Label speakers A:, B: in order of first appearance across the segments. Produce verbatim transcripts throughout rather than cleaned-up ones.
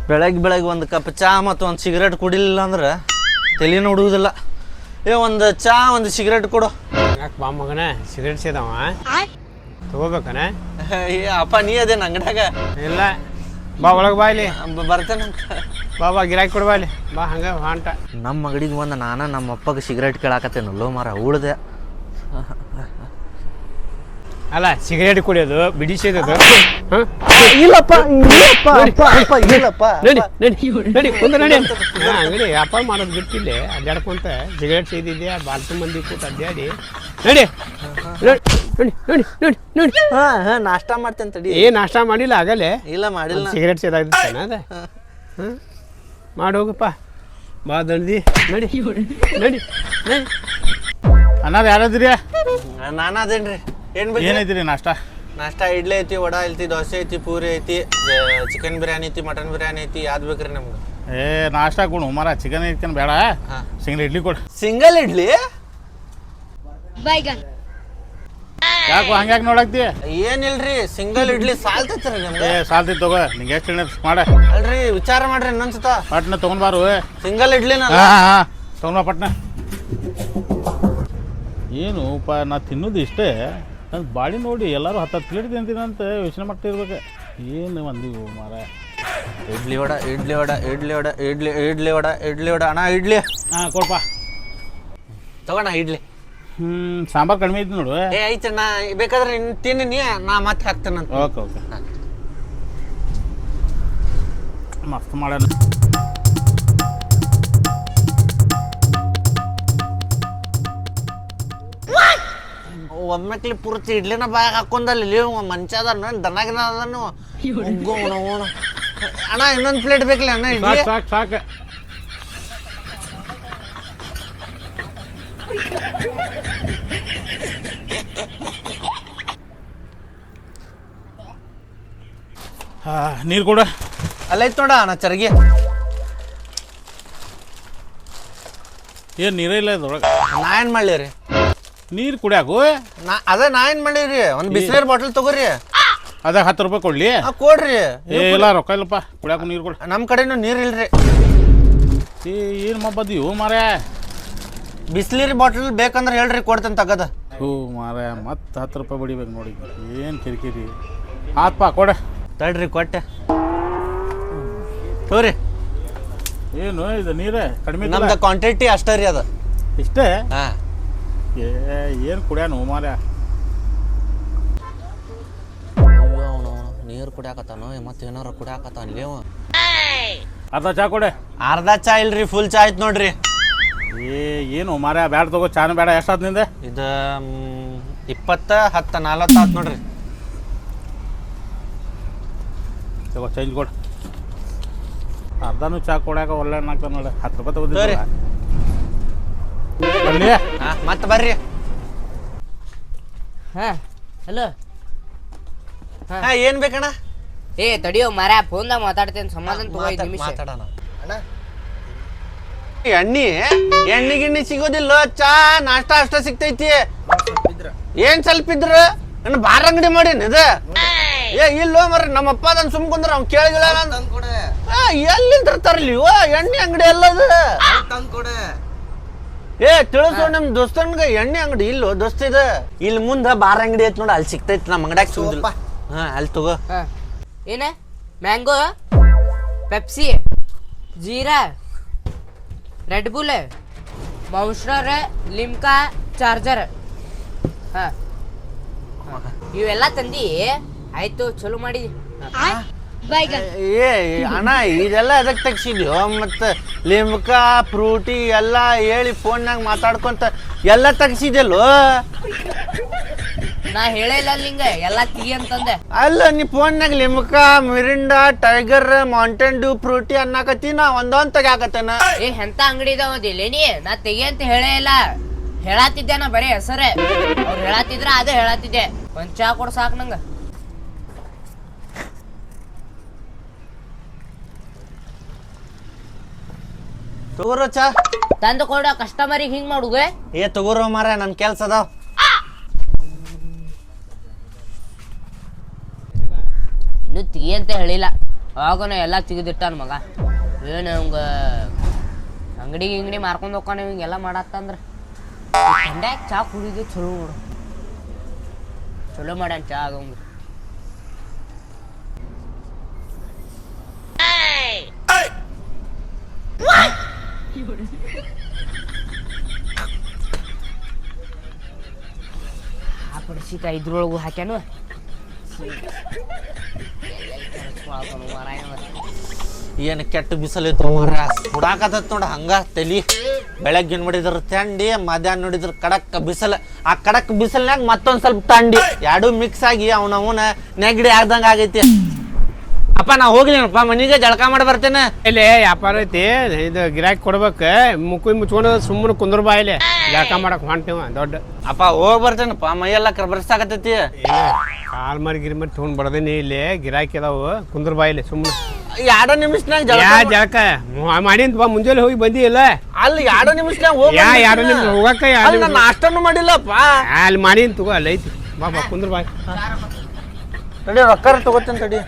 A: ಬೆಳಗ್ಗೆ ಬೆಳಗ್ಗೆ ಒಂದು ಕಪ್ ಚಾ ಮತ್ತು ಒಂದು ಸಿಗರೇಟ್ ಕುಡಿಲಿಲ್ಲ ಅಂದ್ರೆ ತಲೆನೂ ಹುಡುಗುದಿಲ್ಲ. ಏ ಒಂದು ಚಾ ಒಂದು ಸಿಗರೇಟ್ ಕೊಡು.
B: ಯಾಕೆ ಬಾ ಮಗನ ಸಿಗರೇಟ್ ಸೇದವ ತಗೋಬೇಕನ?
A: ಏ ಅಪ್ಪ ನೀ ಅದೇನು ಅಂಗಡ್ಯಾಗ?
B: ಇಲ್ಲ ಬಾ ಒಳಗೆ ಬಾ ಇಲ್ಲಿ
A: ಬರ್ತೇನಂತ.
B: ಬಾ ಬಾ ಗಿರಾಕಿ ಕೊಡ್ಬಾ ಇಲ್ಲಿ ಬಾ ಹಂಗೆ ಹೊಂಟ.
A: ನಮ್ಮ ಮಗಡಿಗೆ ಒಂದು ನಾನು ನಮ್ಮ ಅಪ್ಪಗೆ ಸಿಗರೇಟ್ ಕೇಳಾಕತ್ತೇನಲ್ಲೋ ಮಾರ ಉಳ್ದೆ.
B: ಅಲ್ಲ ಸಿಗರೇಟ್ ಕುಡಿಯೋದು ಬಿಡಿ ಸೇದೋದು
A: ಇಲ್ಲಪ್ಪ ಇಲ್ಲಪ್ಪ
B: ನಡಿ ನಡಿ ನಡಿ ಒಂದು ನಡಿ ಅಂಗಡಿ ವ್ಯಾಪಾರ ಮಾಡೋದು ಬಿಟ್ಟಿಲ್ಲ ಅಡ್ಡಾಡ್ಕೊಂತ ಸಿಗರೇಟ್ ಸೇದಿದ್ದೆ ಬಾಲ್ತು ಮಂದಿ ಕೂತ ಅಡ್ಡಾಡಿ ನಡಿ ನೋಡಿ ನೋಡಿ ನೋಡಿ ನೋಡಿ
A: ಹಾ ಹಾ ನಾಷ್ಟಾ ಮಾಡ್ತೇನೆ ತಡಿ.
B: ಏ ನಾಷ್ಟಾ ಮಾಡಿಲ್ಲ ಆಗಲೇ?
A: ಇಲ್ಲ ಮಾಡಿಲ್ಲ.
B: ಸಿಗರೇಟ್ ಸೇದಾಗ್ತಾನ ಅದ ಹಾಂ ಮಾಡಿ ಹೋಗಪ್ಪ ಬಾ ದಂಡಿ ನಡಿ ನಡಿ ನಡಿ.
C: ಅನ್ನೋದು ಯಾರದ್ರಿ?
A: ನಾನು ಅದೇನ್ರಿ. ಏನ್ ಬೇಕು?
C: ಏನೈತಿ ನಾಷ್ಟ?
A: ನಾಷ್ಟಾ ಇಡ್ಲಿ ಐತಿ, ವಡಾ ಐತಿ, ದೋಸೆ ಐತಿ, ಪೂರಿ ಐತಿ, ಚಿಕನ್ ಬಿರಿಯಾನಿ ಐತಿ, ಮಟನ್ ಬಿರಿಯಾನಿ ಐತಿ. ಯಾವ್ದು ಬೇಕ್ರಿ ನಮ್ಗೆ?
C: ಏ ನಾಷ್ಟ ಕೊಡು ಮಾರ, ಚಿಕನ್ ಇಟ್ಕೊಂಡು ಬೇಡ, ಸಿಂಗಲ್ ಇಡ್ಲಿ ಕೊಡು.
A: ಸಿಂಗಲ್ ಇಡ್ಲಿ?
C: ಯಾಕೋ ಹಂಗ್ಯಾಕೆ ನೋಡಕ್ತಿ?
A: ಏನಿಲ್ರಿ ಸಿಂಗಲ್ ಇಡ್ಲಿ ಸಾಲ್ತೈತ್ರಿ ನಿಮ್ಗೆ?
C: ಏ ಸಾಲ್ತಿ ತಗೋ, ನಿಂಗೆ ಎಷ್ಟು ಮಾಡ.
A: ಅಲ್ರಿ ವಿಚಾರ ಮಾಡ್ರಿ ಇನ್ನೊಂದ್ಸತ.
C: ಪಟ್ನ ತೊಗೊಂಡ್ಬಾರು.
A: ಸಿಂಗಲ್ ಇಡ್ಲಿ
C: ಹಾಂ ಹಾಂ ತೊಗೊಂಡ್ಬಾ ಪಟ್ನ. ಏನು ಪ ನಾ ತಿನ್ನೋದು ಇಷ್ಟೇ, ನನ್ನ ಬಾಡಿ ನೋಡಿ ಎಲ್ಲರೂ ಹತ್ತು ಹತ್ತು ಪ್ಲೇಟ್ ತಿಂತೀನಂತ ಯೋಚನೆ ಮಾಡ್ತಾ ಇರ್ಬೇಕು. ಏನು ಒಂದಿವು ಮಾರ.
A: ಇಡ್ಲಿ ವಡ ಇಡ್ಲಿ ವಡ ಇಡ್ಲಿ ವಡ ಇಡ್ಲಿ ಇಡ್ಲಿ ವಡ ಇಡ್ಲಿ ವಡ ಅಣ್ಣ ಇಡ್ಲಿ.
C: ಹಾಂ ಕೊಡಪ್ಪ
A: ತಗೋಣ ಇಡ್ಲಿ.
C: ಹ್ಞೂ ಸಾಂಬಾರು ಕಡಿಮೆ ಐತಿ ನೋಡು.
A: ಏ ಐತೆ ನಾ ಬೇಕಾದ್ರೆ ಇನ್ನು ತಿನ್ನಿ, ನಾ ಮತ್ತೆ ಹಾಕ್ತೇನಂತ.
C: ಓಕೆ ಓಕೆ ಮಸ್ತ್ ಮಾಡೋಣ.
A: ಒಮ್ಮೆಕ್ಲಿ ಪೂರ್ತಿ ಇಡ್ಲಿನ ಬಾಯಾಗ ಹಾಕೊಂಡಲ್ಲಿ ಮಂಚ ಅದ ದನಾಗಿನ ಅದನ್ನು ಅಣ್ಣ. ಇನ್ನೊಂದು ಪ್ಲೇಟ್ ಬೇಕಲ್ಲ ಅಣ್ಣ ಇಡ್ಲಿ?
C: ಸಾಕು ಸಾಕು. ಹಾಂ ನೀರು ಕೊಡ.
A: ಅಲ್ಲೈತ್ ನೋಡ ಅಣ್ಣ ಚರ್ಗಿ.
C: ಏನು ನೀರೇ ಇಲ್ಲ ಇದ್ರೊಳಗೆ.
A: ನಾ ಏನು ಮಾಡಲಿ ರೀ
C: ನೀರು ಕುಡಿಯಾಕು?
A: ನಾ ಅದೇ ನಾ ಏನು ಮಾಡೀರಿ, ಒಂದು ಬಿಸಿನೀರು ಬಾಟಲ್ ತಗೋರಿ.
C: ಅದಾಗ ಹತ್ತು ರೂಪಾಯಿ ಕೊಡ್ಲಿ?
A: ಹಾಂ ಕೊಡ್ರಿ.
C: ಏ ಇಲ್ಲ ರೊಕ್ಕ ಇಲ್ಲಪ್ಪ, ಕುಡಿಯಾಕು ನೀರು ಕೊಡು.
A: ನಮ್ಮ ಕಡೆನೂ ನೀರು ಇಲ್ರಿ.
C: ಏ ಏನು ಮಬ್ಬದಿವು ಮಾರ.
A: ಬಿಸಿನೀರು ಬಾಟಲ್ ಬೇಕಂದ್ರೆ ಹೇಳ್ರಿ ಕೊಡ್ತೇನೆ ತಗದ.
C: ಹ್ಞೂ ಮಾರ ಮತ್ತೆ ಹತ್ತು ರೂಪಾಯಿ ಬಡಿಬೇಕು ನೋಡಿ. ಏನು ಕಿರಿಕಿರಿ ಆತ್ಪ ಕೊಡ.
A: ತಡ್ರಿ ಕೊಟ್ಟೆ ತೋರಿ.
C: ಏನು ಇದು ನೀರೇ ಕಡಿಮೆ?
A: ನಮ್ದು ಕ್ವಾಂಟಿಟಿ ಅಷ್ಟೇ ರೀ ಅದು.
C: ಇಷ್ಟೇ?
A: ಹಾಂ.
C: ಏ ಏನು ಕುಡಿಯಾನು ಮಾರ.
A: ಅವನು ನೀರು ಕುಡಿಯಾಕತ್ತಾನು ಮತ್ತೆ ಏನಾರ ಕುಡಿಯಾಕತ್ತಾನ ಅವ.
C: ಅರ್ಧ ಚಾ ಕೊಡೆ.
A: ಅರ್ಧ ಚಾ ಇಲ್ರಿ, ಫುಲ್ ಚಾ ಆಯ್ತು ನೋಡ್ರಿ.
C: ಏ ಏನು ಮಾರ ಬ್ಯಾಡ ತಗೋ, ಚಾನು ಬೇಡ. ಎಷ್ಟಾದ್ ನಿಂದೆ?
A: ಇದು ಇಪ್ಪತ್ತ ಹತ್ತು ನಲ್ವತ್ತು ಆಯ್ತು ನೋಡ್ರಿ.
C: ತಗೋ ಚೇಂಜ್ ಕೊಡು. ಅರ್ಧನೂ ಚಾ ಕೊಡ್ಯಾಕ ಒಳ್ಳೆ ಆಗ್ತಾನೆ ನೋಡಿ. ಹತ್ತು ರೂಪಾಯಿ ತಗೋದಿಲ್ಲ ಬನ್ನಿ.
A: ಹಾಂ ಮತ್ತೆ ಬರ್ರಿ.
D: ಹಾಂ ಹಲೋ.
A: ಹಾಂ ಏನು ಬೇಕಣ್ಣ?
D: ಏ ತಡಿಯೋ ಮಾರ, ಫೋನ್ದಾಗ ಮಾತಾಡ್ತೇನೆ, ಸಮಾಧಾನ ತಗೋ ಐದು ನಿಮಿಷ.
A: ಮಾತಾಡೋಣ ಅಣ್ಣ. ಎಣ್ಣೆ ಎಣ್ಣೆ ಗಿಣ್ಣಿ ಸಿಗೋದಿಲ್ಲ, ಚಾ ನಾಷ್ಟ ಅಷ್ಟ ಸಿಗ್ತೈತಿ. ಏನ್ ಸ್ವಲ್ಪ ಇದ್ರ ನನ್ನ ಬಾರ ಅಂಗಡಿ ಮಾಡೀನಿ ಇದು. ಏ ಇಲ್ಲೋ ಮರ ನಮ್ಮಪ್ಪ ಅದನ್ನ ಸುಮ್ಕೊಂಡ್ರ ಅವ್ನು ಕೇಳಿಲ್ಲ. ಎಲ್ಲಿಂದ ತರ್ಲಿ ಎಣ್ಣೆ ಅಂಗಡಿ ಎಲ್ಲದು? ಏ ತಿಳಿಸೋ ನಮ್ ದೋಸ್ತನ್ಗ ಎಣ್ಣೆ ಅಂಗಡಿ ಇಲ್ಲೋ ದೋಸ್ತ ಇದು. ಇಲ್ಲಿ ಮುಂದ ಬಾರ ಅಂಗಡಿ ಐತಿ ನೋಡ, ಅಲ್ಲಿ ಸಿಗ್ತೈತಿ. ನಮ್ಮ ಅಂಗಡ್ಯಾಗ ಸಿಗುದಿಲ್ಲ. ಹಾ ಅಲ್ಲಿ ತಗೋ.
D: ಏನ mango, Pepsi, jeera, Red Bull, Monster, Limca, charger. ಹಾಂ ಇವೆಲ್ಲ ತಂದಿ ಆಯ್ತು, ಚಲೋ ಮಾಡಿದಿ.
A: ಏ ಅಣ್ಣ ಇದೆಲ್ಲ ಎದಕ್ ತೆಗ್ಸಿದ್ಯೋ? ಮತ್ತೆ ಲಿಮ್ಕಾ ಫ್ರೂಟಿ ಎಲ್ಲ ಹೇಳಿ ಫೋನ್ಯಾಗ ಮಾತಾಡ್ಕೊಂತ ಎಲ್ಲ ತೆಗ್ಸಿದ್ಯಲ್ಲೋ.
D: ನಾ ಹೇಳಿಲ್ಲ ನಿಂಗ ಎಲ್ಲ ತಿಗಿ ಅಂತಂದೆ.
A: ಅಲ್ಲ ನೀ ಫೋನ್ಯಾಗ Limca, Mirinda, Tiger, Mountain Dew, Frooti ಅನ್ನಕತ್ತಿ, ನಾ ಒಂದೊಂದ್ ತೆಗ್ಯಾಕತ್ತೇನ.
D: ಏ ಎಂತ ಅಂಗಡಿ ಇದಾವದಿಲ್ಲ ನೀ? ನಾ ತೆಗಿ ಅಂತ ಹೇಳೇ ಇಲ್ಲ, ಹೇಳತ್ತಿದ್ದೆ ನಾ ಬರೀ ಹೆಸರೇ. ಅವ್ರು ಹೇಳತ್ತಿದ್ರ ಅದೇ ಹೇಳತ್ತಿದ್ದೆ. ಒಂದ್ ಚಾ ಕೊಡ್ ಸಾಕು ನಂಗ.
A: ತಗೋರೋ ಚಾ.
D: ತಂದು ಕೊಡ ಕಸ್ಟಮರಿಗೆ ಹಿಂಗ್ ಮಾಡುದು.
A: ಏ ತಗೋರೋ ಮಾರ, ನನ್ ಕೆಲ್ಸ ಅದಾವ.
D: ಇನ್ನು ತಿಗಿ ಅಂತ ಹೇಳಿಲ್ಲ. ಆವಾಗನ ಎಲ್ಲ ತೆಗೆದಿಟ್ಟಾನ ಮಗ. ಏನು ಅವಂಗ ಅಂಗಡಿ ಗಿಂಗಡಿ ಮಾರ್ಕೊಂಡು ಹೋಗ್ತಾನೆ ಹಿಂಗೆಲ್ಲ ಮಾಡತ್ತಂದ್ರೆ ಕಂಡ್ಯಾಗ ಚಾ ಕುಡಿದು ಚಲೋ ನೋಡು, ಚಲೋ ಮಾಡ್ಯಾನ ಚಾ ಅದಂಗ. ಆ ಪಡಿಸಿಕ ಇದ್ರೊಳಗು ಹಾಕ್ಯಾನು
A: ಏನು ಕೆಟ್ಟ ಬಿಸಿಲಿತ್ತು ಮರ ಸುಡಾಕತ್ತ ನೋಡ ಹಂಗ ತಲಿ. ಬೆಳಗ್ಗೆ ನೋಡಿದ್ರ ಥಂಡಿ, ಮಧ್ಯಾಹ್ನ ನೋಡಿದ್ರ ಕಡಕ್ ಬಿಸಿಲು. ಆ ಕಡಕ್ ಬಿಸಿಲ್ನಾಗ ಮತ್ತೊಂದ್ ಸ್ವಲ್ಪ ಥಂಡಿ, ಎರಡು ಮಿಕ್ಸ್ ಆಗಿ ಅವನವನ ನೆಗಡಿ ಆಗ್ದಂಗ ಆಗೈತಿ. ಅಪ್ಪ ನಾ ಹೋಗ್ಲಿನಪ್ಪ ಮನಿಗೆ ಜಳಕ ಮಾಡಿ ಬರ್ತೇನೆ.
B: ಇಲ್ಲಿ ವ್ಯಾಪಾರ ಐತಿ, ಇದು ಗಿರಾಕಿ ಕೊಡ್ಬೇಕ, ಮುಕ್ಕಿ ಮುಚ್ಕೊಂಡು ಸುಮ್ಮನೆ ಕುಂದ್ರ ಬಾ ಇಲ್ಲಿ ಜಳಕ ಮಾಡಕ್ ಹೊಂಟೀವ ದೊಡ್ಡ.
A: ಅಪ್ಪ ಹೋಗಿ ಬರ್ತೇನಪ್ಪ, ಮೈಯೆಲ್ಲ ಕರ್ಬರ್ಸಾಕತ್ತೈತಿ.
B: ಕಾಲ್ ಮರಿ ಗಿರಿ ಮರಿ ತೊಗೊಂಡ್ ಬಡದೇನಿ, ಇಲ್ಲಿ ಗಿರಾಕಿ ಅದಾವು, ಕುಂದ್ರ ಬಾ ಇಲ್ಲಿ ಸುಮ್ಮನೆ.
A: ಎರಡು ನಿಮಿಷನಾಗ
B: ಯಾ ಜಳಕ ಮಾಡಿಂತ ಬಾ, ಮುಂಜಾನೆ ಹೋಗಿ ಬಂದಿ ಇಲ್ಲ
A: ಅಲ್ಲಿ ಎರಡು ನಿಮಿಷನಾಗ ಹೋಗಿ
B: ಯಾ ಎರಡು ನಿಮಿಷ ಹೋಗಕ್ಕ
A: ನಾನು ಅಷ್ಟನ್ನು ಮಾಡಿಲ್ಲಪ್ಪ.
B: ಅಲ್ಲಿ ಮಾಡಿನ್ ತಗೋ, ಅಲ್ಲಿ ಐತಿ ಬಾ ಬಾ ಕುಂದ್ರ ಬಾ.
A: ತಡಿ ರೊಕ್ಕ ತಗೋತೇನೆ ತಡಿ,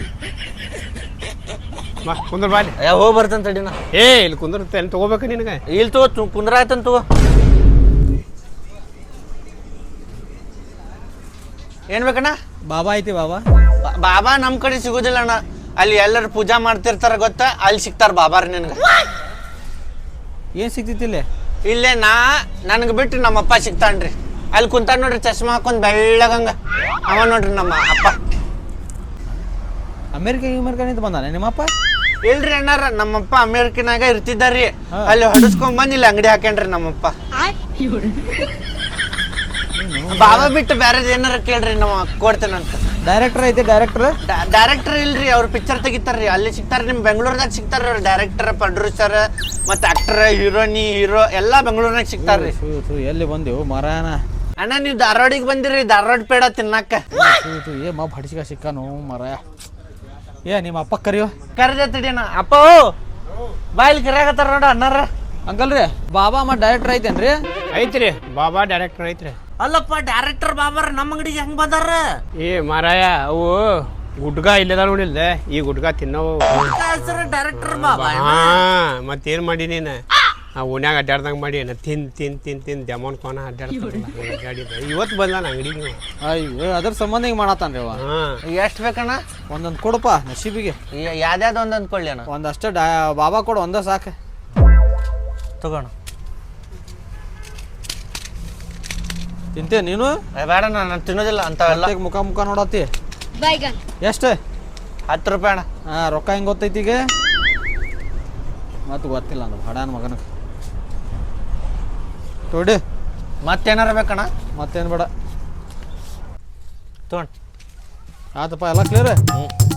B: ಬಾ ಕುಂದ್ರ ಬಾ ಅಲ್ಲಿ.
A: ಏ ಹೋಗಿ ಬರ್ತೇನೆ ತಡಿ ನಾ.
B: ಏ ಇಲ್ಲಿ ಕುಂದಿರುತ್ತೆ ಅಲ್ಲಿ ತಗೋಬೇಕ ನಿನಗೆ.
A: ಇಲ್ಲಿ ತಗೋ ಕುಂದ್ರ ಆಯ್ತಂತ ತಗೋ. ಏನ್ ಬೇಕಣ್ಣ?
E: ಬಾಬಾ ಐತಿ ಬಾಬಾ.
A: ಬಾ- ಬಾಬಾ ನಮ್ ಕಡೆ ಸಿಗೋದಿಲ್ಲ ಅಣ್ಣ, ಅಲ್ಲಿ ಎಲ್ಲರೂ ಪೂಜಾ ಮಾಡ್ತಿರ್ತಾರ ಗೊತ್ತಾ, ಅಲ್ಲಿ ಸಿಗ್ತಾರ ಬಾಬಾರ ನಿನ್ಗ.
E: ಏನ್ ಸಿಗ್ತೈತಿ ಇಲ್ಲಿ?
A: ಇಲ್ಲೇ ನಾ ನನ್ಗೆ ಬಿಟ್ಟು ನಮ್ಮಪ್ಪ ಸಿಗ್ತಾನ್ರಿ. ಅಲ್ಲಿ ಕುಂತಾನ ನೋಡ್ರಿ, ಚಶ್ಮಾ ಹಾಕೊಂಡ್ ಬೆಳ್ಳಗಂಗ, ಅವ ನೋಡ್ರಿ ನಮ್ಮ ಅಪ್ಪ.
E: ಅಮೇರಿಕಾ ಅಮೇರಿಕಾ ನಿಂತ ಬಂದಾನೆ ನಿಮ್ಮಪ್ಪ?
A: ಇಲ್ರಿ ಅಣ್ಣಾರ, ನಮ್ಮಪ್ಪ ಅಮೇರಿಕನಾಗ ಇರ್ತಿದ್ದಾರ್ರಿ, ಅಲ್ಲಿ ಹೊಡಸ್ಕೊಂಡ್ ಬಂದ್ ಇಲ್ಲಿ ಅಂಗಡಿ ಹಾಕ್ಯಾನ್ರಿ ನಮ್ಮಪ್ಪ. ಬಾಬಾ ಬಿಟ್ಟು ಬ್ಯಾರೇದ್ ಏನಾರ ಕೇಳ್ರಿ, ನಾವು ಕೊಡ್ತೇನಂತ.
E: ಡೈರೆಕ್ಟರ್ ಐತಿ ಡೈರೆಕ್ಟರ್?
A: ಡೈರೆಕ್ಟರ್ ಇಲ್ರಿ, ಅವ್ರು ಪಿಕ್ಚರ್ ತೆಗಿತಾರ್ರಿ, ಅಲ್ಲಿ ಸಿಗ್ತಾರ. ನಿಮ್ ಬೆಂಗಳೂರ್ದಾಗ ಸಿಗ್ತಾರ ಅವ್ರು, ಡೈರೆಕ್ಟರ್, ಪ್ರೊಡ್ಯೂಸರ್ ಮತ್ತೆ ಆಕ್ಟರ್, ಹೀರೋನಿ, ಹೀರೋ ಎಲ್ಲಾ ಬೆಂಗಳೂರ್ನಾಗ ಸಿಗ್ತಾರ್ರಿ.
E: ಎಲ್ಲಿ ಬಂದೆವು ಮರಾನ?
A: ಅಣ್ಣ ನೀವು ಧಾರವಾಡಿಗೆ ಬಂದಿರಿ, ಧಾರವಾಡ ಪೇಡ ತಿನ್ನಾಕ.
E: ಏ ಮಾ ಭಡಿಸಿಕ ಸಿಕ್ಕಾನು ಮರ. ಏ ನಿಮ್ಮ ಅಪ್ಪ ಕರಿಯೋ.
A: ಕರೆದ ತಡಿಯಣ್ಣ. ಅಪ್ಪ ಬಾಯಿಲ್ ಕರಿಯಾಕತ್ತಾರ ನೋಡ ಅಣ್ಣಾರ.
E: ಅಂಕಲ್ ರೀ, ಬಾಬಾ ಮ ಡೈರೆಕ್ಟರ್ ಐತೇನ್ರಿ?
B: ಐತ್ರಿ ಬಾಬಾ ಡೈರೆಕ್ಟರ್ ಐತ್ರಿ.
A: ಅಲ್ಲಪ್ಪ ಡೈರೆಕ್ಟರ್ ಬಾಬಾರ ನಮ್ಮ ಅಂಗಡಿಗೆ ಹೆಂಗ್ ಬಂದಾರ?
B: ಏ ಮಾರಾಯ, ಅವು ಗುಡ್ಗ ಇಲ್ಲದ ನೋಡಿಲ್ದ, ಈ ಗುಡ್ಗ ತಿನ್ನವು.
A: ಡೈರೆಕ್ಟರ್ ಬಾಬಾ.
B: ಹಾ ಮತ್ತೇನ್ ಮಾಡಿ ನೀನು ಆ ಓಣ್ಯಾಗ ಅಡ್ಡಾಡ್ದಂಗ ಮಾಡಿ ನಾ ತಿನ್ ತಿನ್ ತಿನ್ ತಿನ್ ದಮನ್ ಕೋನ ಅಡ್ಡಾಡ್ತಾಡಿದ. ಇವತ್ತು ಬಂದಾನ ಅಂಗಡಿಗೆ.
E: ಅಯ್ಯೋ ಅದ್ರ ಸಂಬಂಧ ಹಿಂಗ್ ಮಾಡತ್ತಾನ್ರಿ ಅವ.
B: ಹಾ
A: ಎಷ್ಟ್ ಬೇಕಣ್ಣ?
E: ಒಂದೊಂದ್ ಕೊಡಪ್ಪ ನಶೀಬಿಗೆ.
A: ಯಾವ್ದಾವ್ದು ಒಂದ್ ಅಂದ್ಕೊಳ್ಳಿ ಅಣ್ಣ.
E: ಒಂದಷ್ಟ ಡಾ ಬಾಬಾ ಕೊಡು, ಒಂದ ಸಾಕ
A: ತಗೋಣ.
E: ತಿಂತೆ ನೀನು?
A: ಬೇಡ ನಾನು ತಿನ್ನೋದಿಲ್ಲ ಅಂತವೆಲ್ಲ.
E: ಹೊಟ್ಟೆಗ್ ಮುಖ ಮುಖ ನೋಡತ್ತಿ. ಎಷ್ಟು?
A: ಹತ್ತು ರೂಪಾಯಿ ಅಣ್ಣ.
E: ಹಾ ರೊಕ್ಕ ಹೆಂಗ್ ಗೊತ್ತೈತಿ ಈಗ? ಮತ್ತು ಗೊತ್ತಿಲ್ಲ ನಾನು ಹಡಾನ ಮಗನಿಗೆ. ತೊಡಿ
A: ಮತ್ತೇನಾರ ಬೇಕಣ್ಣ?
E: ಮತ್ತೇನು ಬೇಡ.
A: ತಗೊಂಡು
E: ಆತಪ್ಪ ಎಲ್ಲ ಕ್ಲಿಯರ್.
A: ಹ್ಞೂ